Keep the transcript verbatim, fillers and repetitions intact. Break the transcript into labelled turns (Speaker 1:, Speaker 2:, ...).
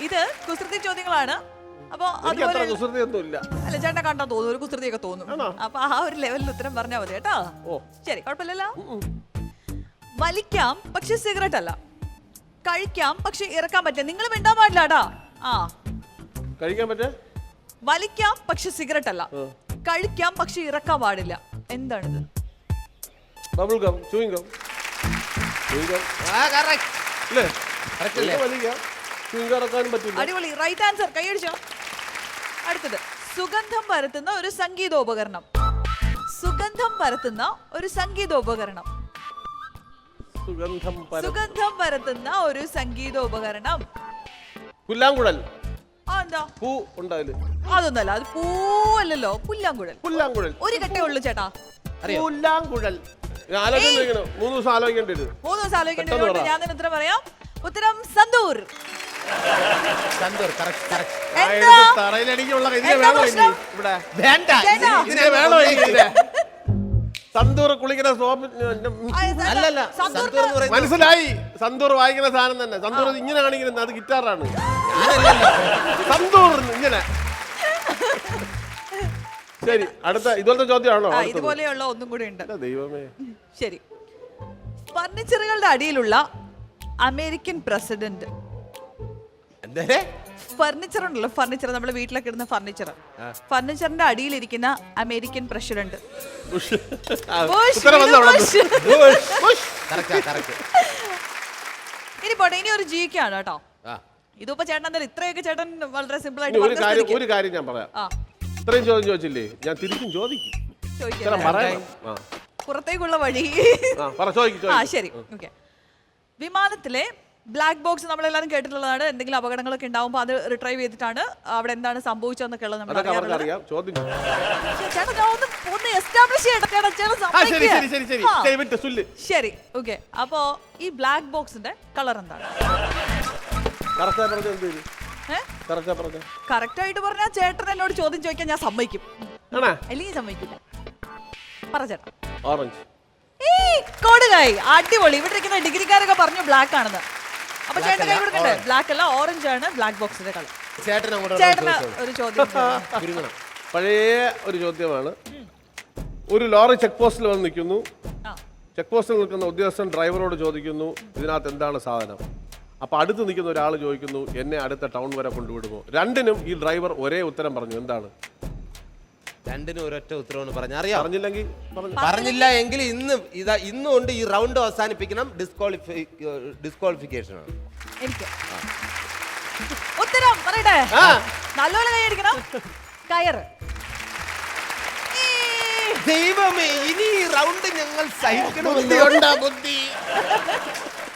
Speaker 1: ഇത് കുസൃതി ചോദ്യങ്ങളാണ്. അപ്പൊ അതുപോലെ അല്ല ചേട്ടാ കണ്ടാ തോന്നും, ഒരു കുസൃതിയൊക്കെ തോന്നും. അപ്പൊ ആ ഒരു ലെവലിൽ ഉത്തരം പറഞ്ഞാൽ മതി കേട്ടോ. ശരി, കുഴപ്പമില്ലല്ലോ. വലിക്കാം പക്ഷെ സിഗരറ്റ് അല്ല, കഴിക്കാം പക്ഷെ ഇറക്കാൻ പറ്റില്ല. നിങ്ങൾ മിണ്ടാൻ പാടില്ല കേട്ടാ. ആ
Speaker 2: കഴിക്കാൻ പറ്റേ
Speaker 1: വലിക്കാം പക്ഷെ സിഗരറ്റ് അല്ല, കഴിക്കാം പക്ഷെ ഇറക്കാൻ പാടില്ല. എന്താണിത്?
Speaker 2: Bubble gum, chewing gum. Chewing gum ആ കറക്റ്റ് അല്ലേ? കറക്റ്റ് അല്ലേ? വലിക്കാം ചൂയിങ് ഗം ഇറക്കാനും പറ്റില്ല.
Speaker 1: അടിപൊളി, റൈറ്റ് ആൻസർ. കൈയടിച്ചോ. അടുത്തത് സുഗന്ധം പരത്തുന്ന ഒരു സംഗീതോപകരണം. സുഗന്ധം പരത്തുന്ന ഒരു സംഗീതോപകരണം.
Speaker 2: സുഗന്ധം
Speaker 1: സുഗന്ധം പരത്തുന്ന ഒരു സംഗീതോപകരണം.
Speaker 2: പുല്ലാങ്കുഴൽ.
Speaker 1: ആ എന്താ
Speaker 2: പൂ ഉണ്ടാവില്ല?
Speaker 1: അതൊന്നല്ല, അത് പൂവല്ലല്ലോ, പുല്ലാങ്കുഴൽ.
Speaker 2: പുല്ലാങ്കുഴൽ
Speaker 1: ഒരു കെട്ടേ ഉള്ളൂ ചേട്ടാ.
Speaker 2: പുല്ലാങ്കുഴൽ. ആലോചിക്കണം, മൂന്ന് ദിവസം ആലോചിക്കേണ്ടി വരും.
Speaker 1: മൂന്ന് ദിവസം ആലോചിക്കേണ്ടി വരും. ഞാൻ തന്നെ ഉത്തരം പറയാം. ഉത്തരം സന്തൂർ.
Speaker 3: Santoor correct correct.
Speaker 2: തറയിലടിക്കുള്ള ഇവിടെ വേണ്ട, ഇതിനെ വേണോ? സന്തൂർ കുളിക്കുന്ന സോപ്പ്
Speaker 3: അല്ലല്ല, സന്തൂർ എന്ന് പറയുന്നത്
Speaker 2: മനസ്സിലായി. സന്തൂർ വായിക്കുന്ന സാധനം തന്നെ. സന്തൂർ ഇങ്ങനെ കാണിക്കുന്നത് അത് ഗിറ്റാറാണ്. സന്തൂർ ഇങ്ങനെ. ശരി, അടുത്ത ഇതുപോലത്തെ ചോദ്യമാണോ?
Speaker 1: ഇതുപോലെയുള്ള ഒന്നും കൂടി ഉണ്ട്.
Speaker 2: ദൈവമേ.
Speaker 1: ശരി, ഫർണിച്ചറുകളുടെ അടിയിലുള്ള അമേരിക്കൻ പ്രസിഡന്റ്.
Speaker 3: എന്തേ?
Speaker 1: ഫർണിച്ചർ ഉണ്ടല്ലോ, ഫർണിച്ചർ നമ്മുടെ വീട്ടിലൊക്കെ ഇടുന്ന ഫർണിച്ചർ. ഫർണിച്ചറിന്റെ അടിയിലിരിക്കുന്ന അമേരിക്കൻ പ്രസിഡന്റ്. ഇനി പോട്ടെ, ഇനി ഒരു ജിക്കാണ് കേട്ടോ. ഇതിപ്പോ ചേട്ടൻ എന്തായാലും ഇത്രയൊക്കെ ചേട്ടൻ വളരെ സിമ്പിൾ ആയിട്ട്
Speaker 2: ഒരു കാര്യം ഞാൻ പറയാം. ഇത്രയും ചോദ്യം ചോദിച്ചില്ലേ, ഞാൻ തിരിച്ചും ചോദിക്കും.
Speaker 1: പുറത്തേക്കുള്ള വഴി. ആ ശരി, ഓക്കെ. വിമാനത്തിലെ ബ്ലാക്ക് ബോക്സ് നമ്മളെല്ലാരും കേട്ടിട്ടുള്ളതാണ്. എന്തെങ്കിലും അപകടങ്ങളൊക്കെ ഉണ്ടാവുമ്പോൾ അത് റിട്രൈവ് ചെയ്തിട്ടാണ് അവിടെ എന്താണ് സംഭവിച്ചതെന്നൊക്കെ ഉള്ളത് നമ്മൾ ശരി, ഓക്കെ. അപ്പോ ഈ ബ്ലാക്ക് ബോക്സിന്റെ കളർ എന്താണ്? കറക്റ്റ് ആയിട്ട് പറഞ്ഞാൽ ചേട്ടൻ എന്നോട് ചോദ്യം ചോദിക്കാൻ ഞാൻ സമ്മതിക്കും, അല്ലെങ്കിൽ സമ്മതിക്കില്ല. പറ ചേട്ടാ.
Speaker 2: ഓറഞ്ച്.
Speaker 1: കൊടുകായി, അടിപൊളി. ഇവിടെ ഇരിക്കുന്ന ഡിഗ്രിക്കാരൊക്കെ പറഞ്ഞു ബ്ലാക്ക് ആണെന്ന്. അപ്പൊ ചേട്ടൻ കൈ കൊടുക്കണ്ടേ? ബ്ലാക്ക് അല്ല, ഓറഞ്ച് ആണ് ബ്ലാക്ക് ബോക്സിന്റെ കളർ. ചേട്ടന് ഒരു ചോദ്യം.
Speaker 2: പഴയ ഒരു ചോദ്യമാണ്. ഒരു ലോറി ചെക്ക് പോസ്റ്റിൽ വന്ന് നിൽക്കുന്നു. ചെക്ക് പോസ്റ്റിൽ നിൽക്കുന്ന ഉദ്യോഗസ്ഥൻ ഡ്രൈവറോട് ചോദിക്കുന്നു, ഇതിനകത്ത് എന്താണ് സാധനം? അപ്പൊ അടുത്ത് നിൽക്കുന്ന ഒരാൾ ചോദിക്കുന്നു, എന്നെ അടുത്ത ടൗൺ വരെ കൊണ്ടുവിടുമോ? രണ്ടിനും ഈ ഡ്രൈവർ ഒരേ ഉത്തരം പറഞ്ഞു. എന്താണ്?
Speaker 3: രണ്ടിനും ഒരൊറ്റ ഉത്തരവാണ് പറഞ്ഞ. അറിയാം.
Speaker 2: പറഞ്ഞില്ലെങ്കിൽ
Speaker 3: പറഞ്ഞില്ല എങ്കിൽ ഇന്ന് ഇതാ ഇന്നുകൊണ്ട് ഈ റൗണ്ട് അവസാനിപ്പിക്കണം. ഡിസ്ക്വാളിഫൈ ഡിസ്ക്വാളിഫിക്കേഷൻ ആണ്.
Speaker 1: എനിക്ക് ഉത്തരം പറയട്ടെ. നല്ലോണം കൈയടിക്കണം. കയറ്.
Speaker 3: ദൈവമേ, ഇനി ഈ റൗണ്ട് ഞങ്ങൾ സഹിക്കണം. ബുദ്ധി.